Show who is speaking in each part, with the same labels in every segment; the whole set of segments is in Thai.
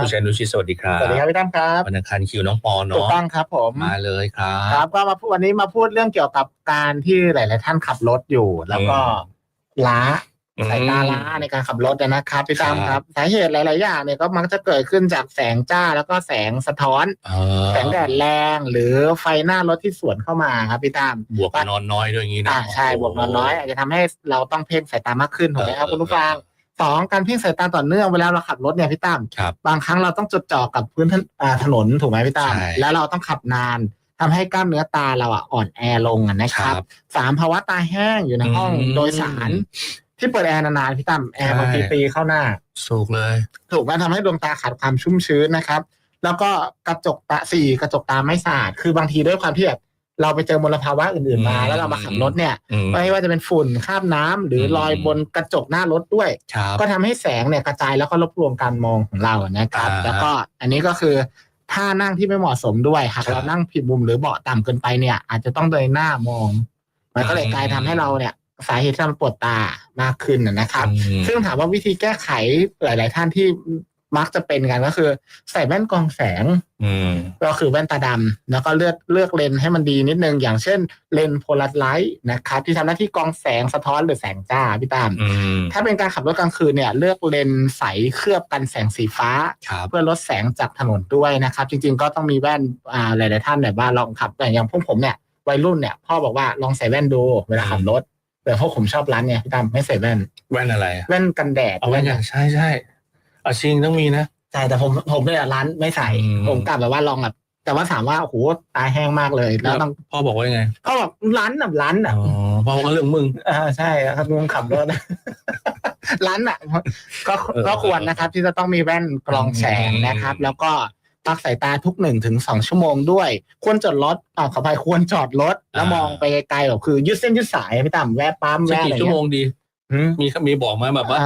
Speaker 1: คุณชัยนุชิตสวัสดีครับ
Speaker 2: สวัสดีครับพี่ตั้มครับ
Speaker 1: วันอังคารคิวน้องปอเนาะ
Speaker 2: ถูกต้องครับผม
Speaker 1: มาเลยครั
Speaker 2: ครับก็มาพูดวันนี้มาพูดเรื่องเกี่ยวกับการที่หลายๆท่านขับรถอยู่แล้วก็ล้าสายตาล้าในการขับรถนะครับพี่ตั้มครับสาเหตุหลายๆอย่างเนี่ยก็มักจะเกิดขึ้นจากแสงจ้าแล้วก็แสงสะท้อนแสงแดดแรงหรือไฟหน้ารถที่สวนเข้ามาครับพี่ตั้ม
Speaker 1: บวกนอนน้อยด้วยอย่างนี้นะ
Speaker 2: ใช่บวกนอนน้อยอาจจะทำให้เราต้องเพ่งสายตามากขึ้นถูกไหมครับคุณผู้ฟังสองการเพ่งสายตาต่อเนื่องเวลาเราขับรถเนี่ยพี่ตั้มบางครั้งเราต้องจดจ่อกับพื้นถนนถูกไหมพี่ตั้มแล้วเราต้องขับนานทำให้กล้ามเนื้อตาเราอ่อนแอลงนะครับสามภาวะตาแห้งอยู่ในห้องโดยสารที่เปิดแอร์นานๆพี่ตั้มแอร์บางทีตีเข้าหน้า
Speaker 1: สูกเลย
Speaker 2: ถูกไหมทำให้ดวงตาขาดความชุ่มชื้นนะครับแล้วก็กระจกตาไม่สะอาดคือบางทีด้วยความที่แบบเราไปเจอมลภาวะอื่นๆมาแล้วเรามาขับรถเนี่ยไม่ว่าจะเป็นฝุ่นคราบน้ำหรือรอยบนกระจกหน้ารถด้วยก็ทำให้แสงเนี่ยกระจายแล้วก็รบกวนการมองของเรานะครับแล้วก็อันนี้ก็คือท่านั่งที่ไม่เหมาะสมด้วยหากเรานั่งผิดมุมหรือเบาะต่ำเกินไปเนี่ยอาจจะต้องเดินหน้ามองมันก็เลยกลายทำให้เราเนี่ยสาเหตุที่มันปวดตามากขึ้นนะครับซึ่งถามว่าวิธีแก้ไขหลายๆท่านที่มักจะเป็นกันก็คือใส่แว่นกรองแสงก็คือแว่นตาดำแล้วก็เลือกเลนส์ให้มันดีนิดนึงอย่างเช่นเลนส์โพลาไรต์นะครับที่ทำหน้าที่กรองแสงสะท้อนหรือแสงจ้าพี่ตามถ้าเป็นการขับรถกลางคืนเนี่ยเลือกเลนส์ใสเคลือบกันแสงสีฟ้าเพื่อลดแสงจากถนนด้วยนะครับจริงๆก็ต้องมีแว่นหลายๆท่านแบบว่าลองขับแต่อย่างพวกผมเนี่ยวัยรุ่นเนี่ยพ่อบอกว่าลองใส่แว่นดูเวลาขับรถแต่พวกผมชอบร้านเนี่ยพี่ตามไม่ใส่แว่น
Speaker 1: อะไร
Speaker 2: แว่นกันแดด
Speaker 1: เอาแว่นอย่างใช่อาชิงต้องมีนะ
Speaker 2: ใช่แต่ผมเนี่ยร้านไม่ใส่ผมกลับแบบว่าลองแบบแต่ว่าถามว่าโอ้โหตาแห้งมากเลยแล้วต้อง
Speaker 1: พ่อบอกว่ายังไง
Speaker 2: พ่อบอกร้าน
Speaker 1: พ่อบอกเรื่องมึง
Speaker 2: ใช่ครับมึงขับรถร้านก็ควรนะครับที่จะต้องมีแว่นกรองแสงนะครับแล้วก็พักสายตาทุก1-2 ชั่วโมงด้วยควรจอดรถขออภัยควรจอดรถแล้วมองไปไกลๆแบบคือยืดเส้นยืดสายไม่ต่ำแวะปั๊มแวะอะไร
Speaker 1: กี่ชั่วโมงดีมีบอกมาแบบว่า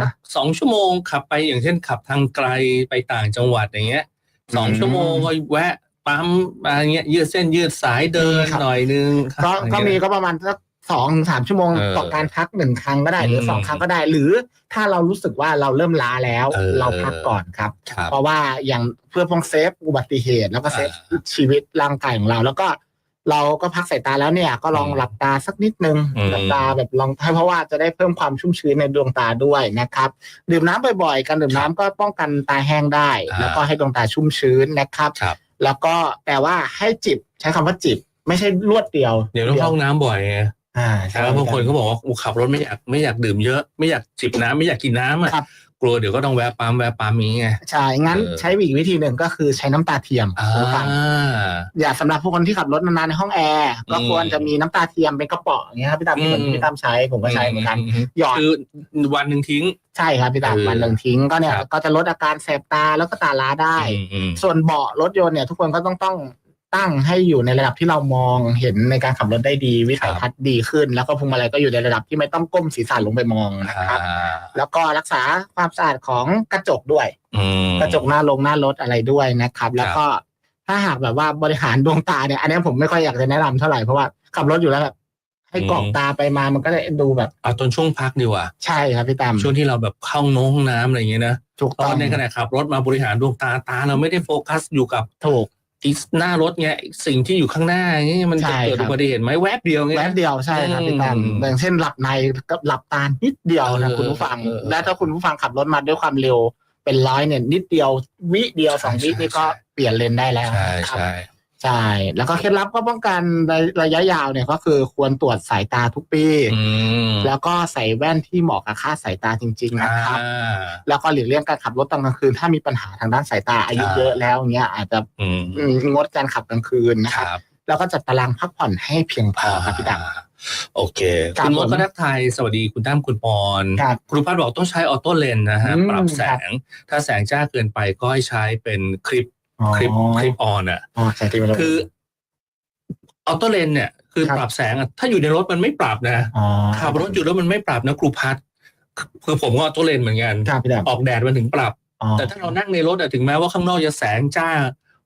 Speaker 1: 2 ชั่วโมงขับไปอย่างเช่นขับทางไกลไปต่างจังหวัดอย่างเงี้ย2 ชั่วโมงก็แวะปั๊มอะไรเงี้ยยืดเส้นยืดสายเดินหน่อยนึง
Speaker 2: ก็มีก็ประมาณสัก2-3 ชั่วโมงต่อการพัก1 ครั้งก็ได้หรือ2 ครั้งก็ได้หรือถ้าเรารู้สึกว่าเราเริ่มล้าแล้วเราพักก่อนครับเพราะว่าอย่างเพื่อป้องเซฟอุบัติเหตุแล้วก็เซฟชีวิตร่างกายของเราแล้วก็เราก็พักสายตาแล้วเนี่ยก็ลองหลับตาสักนิดนึงหลับตาแบบลองให้เพราะว่าจะได้เพิ่มความชุ่มชื้นในดวงตาด้วยนะครับดื่มน้ำบ่อยๆการดื่มน้ำก็ป้องกันตาแห้งได้แล้วก็ให้ดวงตาชุ่มชื้นนะครับแล้วก็แต่ว่าให้จิบใช้คำว่าจิบไม่ใช่รวดเดียว
Speaker 1: เดี๋ยวต้องเข้าน้ำบ่อยไงแล้วบางคนเขาบอกว่าขับรถไม่อยากดื่มเยอะไม่อยากจิบน้ำไม่อยากกินน้ำอ่ะกลัวเดี๋ยวก็ต้องแวะปั๊มนี้ไง
Speaker 2: ใช่งั้นใช้อีกวิธีหนึ่งก็คือใช้น้ำตาเทียมอย่าสำหรับผู้คนที่ขับรถนานๆในห้องแอร์ก็ควรจะมีน้ำตาเทียมเป็นกระป๋องอย่างเงี้ยครับพี่ตั้มเหมือนพี่ตั้มใช้ผมก็ใช้เหมือนกันหยอด
Speaker 1: คือวันหนึ่งทิ้ง
Speaker 2: ใช่ครับพี่ตั้มวันหนึ่งทิ้งก็เนี่ยก็จะลดอาการแสบตาแล้วก็ตาล้าได้ส่วนเบาะรถยนต์เนี่ยทุกคนก็ต้องตั้งให้อยู่ในระดับที่เรามองเห็นในการขับรถได้ดีวิสัยทัศน์ดีขึ้นแล้วก็พวงมาลัยก็อยู่ในระดับที่ไม่ต้องก้มศีรษะลงไปมองนะครับแล้วก็รักษาความสะอาดของกระจกด้วยกระจกหน้ารถอะไรด้วยนะครับแล้วก็ถ้าหากแบบว่าบริหารดวงตาเนี่ยอันนี้ผมไม่ค่อยอยากจะแนะนำเท่าไหร่เพราะว่าขับรถอยู่แล้วแบบให้กรอกตาไปมามันก็จะดูแบบ
Speaker 1: เอาตอนช่วงพักดีกว่า
Speaker 2: ใช่ครับพี่ตั้ม
Speaker 1: ช่วงที่เราแบบเข้าห้องน้ำอะไรอย่างเงี้ยนะตอนในขณะขับรถมาบริหารดวงตาเราไม่ได้โฟกัสอยู่กับ
Speaker 2: ถูก
Speaker 1: ที่หน้ารถไงสิ่งที่อยู่ข้างหน้านี่มันจะเกิดอุบัติเหตุไหมแวบเดียวไง
Speaker 2: แวบเดียวใช่ครับพี่ตั้มอย่างเช่นหลับในกับหลับตานิดเดียวนะคุณผู้ฟังและถ้าคุณผู้ฟังขับรถมาด้วยความเร็วเป็น100เนี่ยนิดเดียววิเดียว2 วินี่ก็เปลี่ยนเลนได้แล้วใช่แล้วก็เคล็ดลับก็ป้องกันระยะยาวเนี่ยก็คือควรตรวจสายตาทุกปีแล้วก็ใส่แว่นที่เหมาะกับค่าสายตาจริงๆนะครับแล้วก็หลีกเลี่ยงการขับรถตอนกลางคืนถ้ามีปัญหาทางด้านสายตาอายุเยอะแล้วเงี้ยอาจจะงดการขับกลางคืนนะครับแล้วก็จัดตารางพักผ่อนให้เพียงพอครับพี่ดำ
Speaker 1: โอเคคุณมดก็ทักทายสวัสดีคุณตั้มคุณปอนครูพัฒน์บอกต้องใช้ออโต้เลนนะฮะปรับแสงถ้าแสงจ้าเกินไปก็ให้ใช้เป็นคลิปออนอ่ะคือออโต้เลนเนี่ยคือปรับแสงถ้าอยู่ในรถมันไม่ปรับนะขับรถอยู่แล้วมันไม่ปรับนะครูพัฒน์คือผมก็ออโต้เลนเหมือนกันออกแดดมันถึงปรับแต่ถ้าเรานั่งในรถถึงแม้ว่าข้างนอกจะแสงจ้า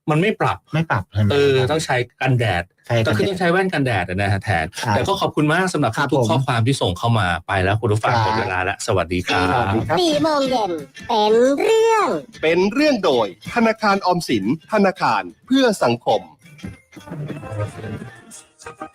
Speaker 1: มันไม่ปรับ
Speaker 2: ใช่ไหม
Speaker 1: ต้องใช้กันแดดต้องใช้แว่นกันแดดนะฮะแทนแต่ก็ขอบคุณมากสำหรับทุกข้อความที่ส่งเข้ามาไปแล้วคุณผู้ฟังหมดเวลาแล้วสวัสดีครับ
Speaker 3: 4 โมงเย็นเป็นเรื่องโดยธนาคารออมสินธนาคารเพื่อสังคม